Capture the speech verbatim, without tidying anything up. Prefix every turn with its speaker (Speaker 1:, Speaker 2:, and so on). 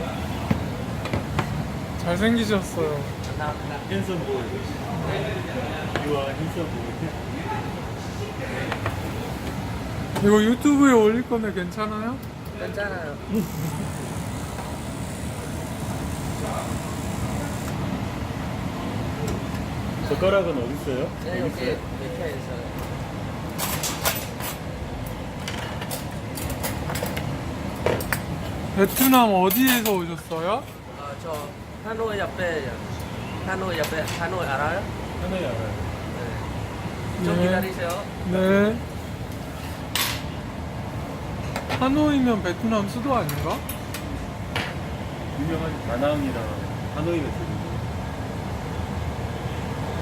Speaker 1: 잘생기셨어요.
Speaker 2: 감사합니다.
Speaker 3: 핸섬 보이. 유아 핸섬 보이.
Speaker 1: 이거 유튜브에 올릴 건데 괜찮아요?
Speaker 2: 괜찮아요.
Speaker 3: 젓가락은 어디 있어요?
Speaker 2: 네, 여기 밑에 있어요.
Speaker 1: 베트남 어디에서 오셨어요?
Speaker 2: 어, 저 하노이 옆에 하노이 옆에 하노이 알아요?
Speaker 3: 하나에 알아요.
Speaker 2: 네. 좀
Speaker 1: 네.
Speaker 2: 기다리세요.
Speaker 1: 네. 하노이면 베트남 수도 아닌가?
Speaker 3: 유명한 다낭이랑 하노이가 있어요.